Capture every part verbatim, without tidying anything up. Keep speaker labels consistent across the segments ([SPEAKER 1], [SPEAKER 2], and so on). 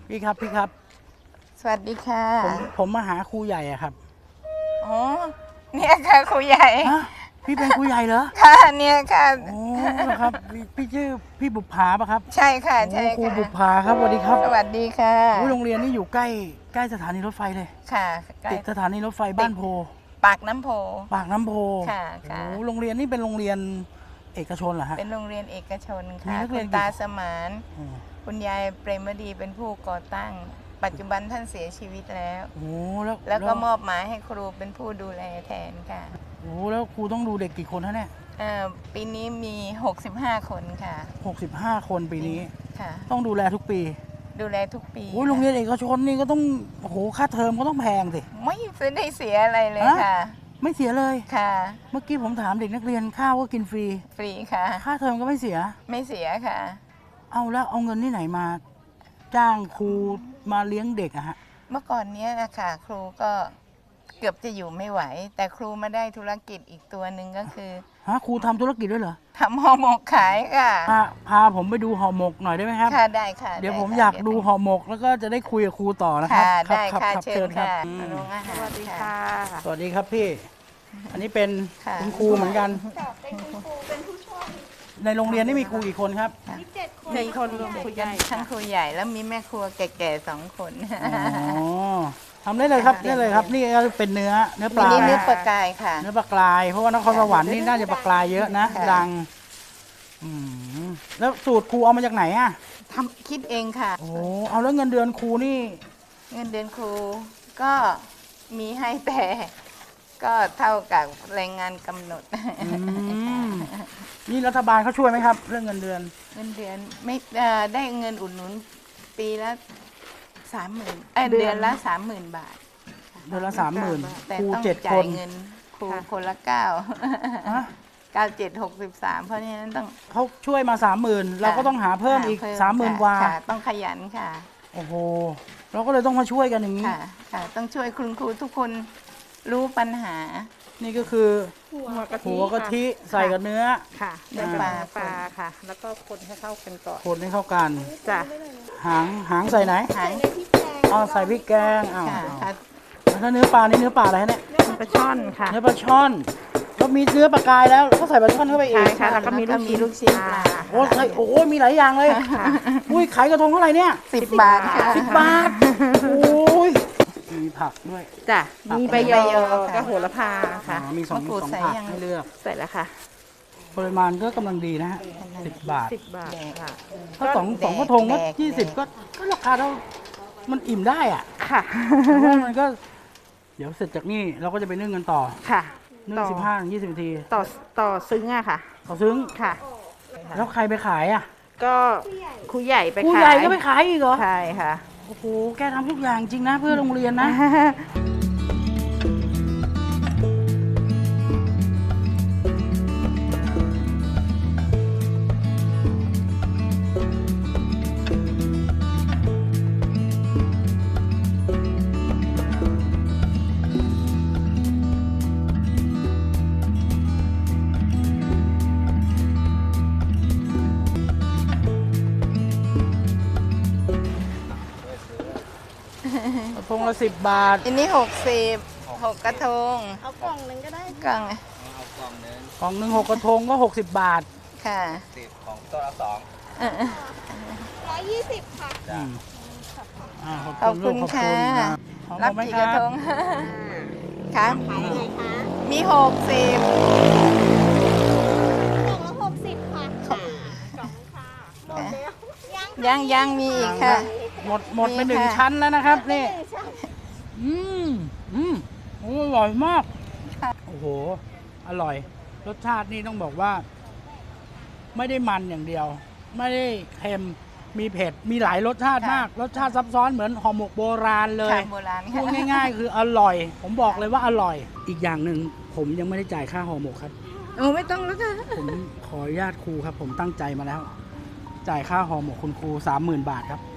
[SPEAKER 1] พี่ครับพี่ครับ
[SPEAKER 2] สวัสดีค่ะ
[SPEAKER 1] ผมผมมาหาครูใหญ่อะครับ
[SPEAKER 2] อ๋อเนี่ยค่ะครูใหญ่
[SPEAKER 1] ฮะพี่เป็นครูใหญ่เหรอ
[SPEAKER 2] ค่ะเนี่ยค่ะ
[SPEAKER 1] โอ้ครับพี่พี่ชื่อพี่บุปผาปะครับ
[SPEAKER 2] ใช่ค่ะใช่
[SPEAKER 1] ครู
[SPEAKER 2] ค่ะ
[SPEAKER 1] บุปผาครับสวัสดีครับ
[SPEAKER 2] สวัสดีค่ะ
[SPEAKER 1] โอ้โรงเรียนนี่อยู่ใกล้ใกล้สถานีรถไฟเลย
[SPEAKER 2] ค่ะใกล้
[SPEAKER 1] ติดสถานีรถไฟบ้านโพ
[SPEAKER 2] ปากน้ำโพ
[SPEAKER 1] ปากน้ำโพ
[SPEAKER 2] ค่ะค่ะ
[SPEAKER 1] โอ้โรงเรียนนี่เป็นโรงเรียนเอกชนเหรอฮะ
[SPEAKER 2] เป็นโรงเรียนเอกชน
[SPEAKER 1] มี
[SPEAKER 2] ค่ะ
[SPEAKER 1] นักเรี
[SPEAKER 2] คุ
[SPEAKER 1] ยน
[SPEAKER 2] ณ
[SPEAKER 1] กี่
[SPEAKER 2] ตาสมาน
[SPEAKER 1] อืม
[SPEAKER 2] คุณยายเปรมดีเป็นผู้ก่อตั้ง ปัจจุบันท่านเสียชีวิตแล้ว
[SPEAKER 1] โอ้แล้ว
[SPEAKER 2] แล้วก็มอบหมายให้ครูเป็นผู้ดูแลแทนค่ะ
[SPEAKER 1] โอ้แล้วครูต้องดูเด็กกี่คนฮะเนี่ย
[SPEAKER 2] เอ่อปีนี้มีหกสิบห้าคนค่ะ
[SPEAKER 1] หกสิบห้าคนปีนี้
[SPEAKER 2] ค่ะ
[SPEAKER 1] ต้องดูแลทุกปี
[SPEAKER 2] ดูแลทุกปี
[SPEAKER 1] โอ้โรงเรียนเอกชนนี่ก็ต้องโอ้โหค่าเทอมก็ต้องแพงสิ
[SPEAKER 2] ไม่ได้เสียอะไรเลย
[SPEAKER 1] ฮะ
[SPEAKER 2] ค่ะ
[SPEAKER 1] ไม่เสียเลย
[SPEAKER 2] ค่ะ
[SPEAKER 1] เมื่อกี้ผมถามเด็กนักเรียนข้าวก็กินฟรี
[SPEAKER 2] ฟรีค่ะ
[SPEAKER 1] ค่าเทอมก็ไม่เสีย
[SPEAKER 2] ไม่เสียค่ะ
[SPEAKER 1] เอาแล้วเอาเงินที่ไหนมา จ้างครูมาเลี้ยงเด็กอะฮะ
[SPEAKER 2] เมื่อก่อนเนี้ยนะคะครูก็เกือบจะอยู่ไม่ไหว แต่ครูมาได้ธุรกิจอีกตัวหนึ่งก็คือ
[SPEAKER 1] ฮะครูทำธุรกิจด้วยเหรอ
[SPEAKER 2] ทำห่อหมกขายค่ะ
[SPEAKER 1] พาพาผมไปดูห่อหมกหน่อยได้ไหมครับ
[SPEAKER 2] ค่ะได้ค่ะ
[SPEAKER 1] เดี๋ยว
[SPEAKER 2] ไ
[SPEAKER 1] ผม
[SPEAKER 2] ค่ะ
[SPEAKER 1] อยากดู
[SPEAKER 2] เยว
[SPEAKER 1] ห่อหมกแล้วก็จะได้คุยกับครูต่อนะครับ
[SPEAKER 2] ค่ะ
[SPEAKER 1] ครับ
[SPEAKER 2] ได้
[SPEAKER 1] ครับ
[SPEAKER 2] ค่ะ
[SPEAKER 1] ครับ
[SPEAKER 2] เชิญ
[SPEAKER 1] ครับ
[SPEAKER 2] ค่ะ
[SPEAKER 1] อืม
[SPEAKER 2] โรงอาหาร
[SPEAKER 3] สวัสดีค่ะ
[SPEAKER 1] สวัสดีครับพี่ อันนี้เป็น
[SPEAKER 2] ค่ะ
[SPEAKER 1] คุณครูเหมือนกัน ในโรงเรียนนี่มีครูกี่คนครับ
[SPEAKER 3] เจ็ดคนรวมครูใหญ่
[SPEAKER 2] ทั้งครูใหญ่แล้วมีแม่ครัวแก่ๆสองคน
[SPEAKER 1] อ๋อทำได้เลยครับได้เลยครับ นี่ก็เป็นเนื้อเนื้อป
[SPEAKER 2] มี
[SPEAKER 1] ลา
[SPEAKER 2] นี่เนื้อปลากายค่ะ
[SPEAKER 1] เนื้อปลากราย เพราะว่านครสวรรค์นี่น่าจะปลากรายเยอะนะ
[SPEAKER 2] ค่ะ
[SPEAKER 1] ดังอืมแล้วสูตรครูเอามาจากไหนอ่ะ
[SPEAKER 2] ทำคิดเองค่ะ
[SPEAKER 1] โอ้เอาแล้วเงินเดือนครูนี่
[SPEAKER 2] เงินเดือนครูก็มีให้แต่ก็เท่ากับแรงงานกำหนด
[SPEAKER 1] อืมนี่รัฐบาลเขาช่วยไหมครับ เรื่องเงินเดือน
[SPEAKER 2] เงินเดือนไม่เอ่อได้เงินอุดหนุนปีละสามหมื่นเอ้ยเดือนละสามหมื่นบาท
[SPEAKER 1] เดือนละสามหมื่น
[SPEAKER 2] แต่
[SPEAKER 1] ครู
[SPEAKER 2] ต้อง
[SPEAKER 1] เจ็ดค
[SPEAKER 2] จ่าย
[SPEAKER 1] น
[SPEAKER 2] เงินครูคนละเก้า
[SPEAKER 1] ฮะ
[SPEAKER 2] เก้าเจ็ดหกสิบสามเพราะฉะนั้นต้อง
[SPEAKER 1] เขาช่วยมาสามหมื่นเราก็ต้องหาเพิ่มอีก
[SPEAKER 2] ห
[SPEAKER 1] สามหมื่นกว่า
[SPEAKER 2] ค่ะต้องขยันค่ะ
[SPEAKER 1] โอ้โหเราก็เลยต้องมาช่วยกันอย่างนี้
[SPEAKER 2] ค่ะค่ะ ต้องช่วยคุณครูทุกคนรู้ปัญหา
[SPEAKER 1] นี่ก็คือ
[SPEAKER 3] หัวกะทิ
[SPEAKER 1] หัวกะทิใส่กับเนื้อ
[SPEAKER 3] ค่ะ
[SPEAKER 2] เนื้
[SPEAKER 3] เนื้
[SPEAKER 2] อ
[SPEAKER 3] อ
[SPEAKER 2] ป
[SPEAKER 3] ป
[SPEAKER 2] ลา
[SPEAKER 3] ลาปลาค่ะ แล้วก็คนให้เข้ากันก่อน
[SPEAKER 1] คนให้เข้ากัน
[SPEAKER 3] จ้ะ
[SPEAKER 1] หางหางใส่ไหน
[SPEAKER 2] หาง
[SPEAKER 1] อ๋อใส่พริกแกงอ้าว
[SPEAKER 2] ค่ะค่ะ
[SPEAKER 1] แล้วถ้าเนื้อปลานี่เนื้อปลาอะไรฮะเนี่ย
[SPEAKER 3] ปลาช่อนค่ะ
[SPEAKER 1] เนื้อปลาช่อนแล้วมีเนื้อปลากรายแล้วก็ใส่ปลาช่อนเข้าไปอี
[SPEAKER 3] ใช่
[SPEAKER 1] ก
[SPEAKER 3] ค่ะ แล้วก็มี
[SPEAKER 2] แล้วก็มีลู
[SPEAKER 3] ลู
[SPEAKER 2] ก
[SPEAKER 3] ก
[SPEAKER 2] ชิ้
[SPEAKER 3] ชิ้
[SPEAKER 2] น
[SPEAKER 3] น
[SPEAKER 2] ป
[SPEAKER 3] ป
[SPEAKER 2] ลา
[SPEAKER 3] ลา
[SPEAKER 1] โอ้ใส่โอ้ยมีหลายอย่างเลยอุ้ยขายกระทงเท่าไหร่เนี่ย
[SPEAKER 2] สิบบาทค่ะ
[SPEAKER 1] สิบบาทโอ้ยมีผักด้วย
[SPEAKER 3] จ้ะ มีใบย
[SPEAKER 2] ใบ
[SPEAKER 3] อย
[SPEAKER 2] อค่ะ
[SPEAKER 3] ก็โหระพาค่ะ
[SPEAKER 1] อ๋อมีสอง
[SPEAKER 2] มะกรูด
[SPEAKER 1] สอง
[SPEAKER 2] ใส่
[SPEAKER 1] ผัก
[SPEAKER 2] ยัง
[SPEAKER 1] ให้เลือก
[SPEAKER 3] ใส่แล้วค่ะ
[SPEAKER 1] ปริมาณก็กำลังดีนะฮะสิบบาท
[SPEAKER 3] สิบบาทค่ะ
[SPEAKER 1] ถ้าสองสองกระทงก็
[SPEAKER 2] แดก
[SPEAKER 1] ยี่สิบ
[SPEAKER 2] แดก
[SPEAKER 1] ก็ก็ราคาเท่ามันอิ่มได้อ่ะ
[SPEAKER 3] ค่ะ
[SPEAKER 1] เพราะว่ามันก็ เดี๋ยวเสร็จจากนี่เราก็จะไปนึ่งกันต่อ
[SPEAKER 3] ค่ะ
[SPEAKER 1] นึ่ง
[SPEAKER 3] ต่อ
[SPEAKER 1] สิบห้าถึงยี่สิบนาที
[SPEAKER 3] ต่อต่อซึ้งอะค่ะ
[SPEAKER 1] เขาซึ้ง
[SPEAKER 3] ค่ะ
[SPEAKER 1] แล้วใครไปขายอ่ะ
[SPEAKER 3] ก็ครูใหญ่ไป
[SPEAKER 1] ผู้
[SPEAKER 3] ขาย
[SPEAKER 1] ใหญ่ก็ไปขายอีกเหรอ
[SPEAKER 3] ใช่ค่ะ
[SPEAKER 1] โอ้โหแกทำทุกอย่างจริงนะเพื่อโรงเรียนนะ กระทงละสิบบาท
[SPEAKER 2] อันนี้หกสิบหกกระทง
[SPEAKER 3] เอากล่องหนึ่งก็ได้
[SPEAKER 2] กล่อง
[SPEAKER 1] กล่องหนึ่งหกกระทงก็หกสิบบาท
[SPEAKER 2] ค่ะ
[SPEAKER 4] สิบของตัวละสอง
[SPEAKER 2] เออ
[SPEAKER 3] ร้อยยี่สิบค่ะ
[SPEAKER 1] อืมอ่า
[SPEAKER 2] ขอบคุณ
[SPEAKER 1] ลูก
[SPEAKER 2] ค่ะ
[SPEAKER 1] ขอบ
[SPEAKER 2] รั
[SPEAKER 1] คุ
[SPEAKER 2] บ
[SPEAKER 1] ณไหม
[SPEAKER 2] กี่
[SPEAKER 1] ค
[SPEAKER 2] ก
[SPEAKER 1] รั
[SPEAKER 2] ระ
[SPEAKER 1] บ
[SPEAKER 2] ทงค่ะมีหกสิบ
[SPEAKER 5] กล่องละหกสิบค่ะ
[SPEAKER 2] ยังยังมีอีกค่ะ
[SPEAKER 1] หมดหมดไป
[SPEAKER 2] มี
[SPEAKER 1] หนึ่ง
[SPEAKER 2] ค่ะ
[SPEAKER 1] ชั้นแล้วนะครับนี่อืมอืมโอ้อร่อยมาก โอ้โห อร่อย รสชาตินี่ต้องบอกว่า ไม่ได้มันอย่างเดียว ไม่ได้เค็มมีเผ็ดมีหลายรสชาติมาก รสชาติซับซ้อนเหมือนห่อหมกโบราณเลย
[SPEAKER 2] ค่ะโบราณ
[SPEAKER 1] พู
[SPEAKER 2] ค่ะ
[SPEAKER 1] ดง่าย ๆ คืออร่อย ผมบอกเลยว่าอร่อย อีกอย่างหนึ่งผมยังไม่ได้จ่ายค่าห่อหมกครับ
[SPEAKER 2] โอ้ไม่ต้องแล้วค่ะ
[SPEAKER 1] ผมขออนุญาตครูครับ ผมตั้งใจมาแล้ว จ่ายค่าห่อหมกคุณครูสามหมื่นบาทครับ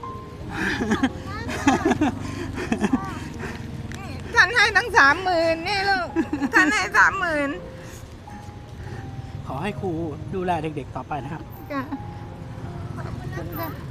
[SPEAKER 2] ท่านให้ตั้งสามหมื่นนี่ลูก ท่านให้สามหมื่น
[SPEAKER 1] ขอให้ครูดูแลเด็กๆต่อไปนะครับ
[SPEAKER 2] ค่ะ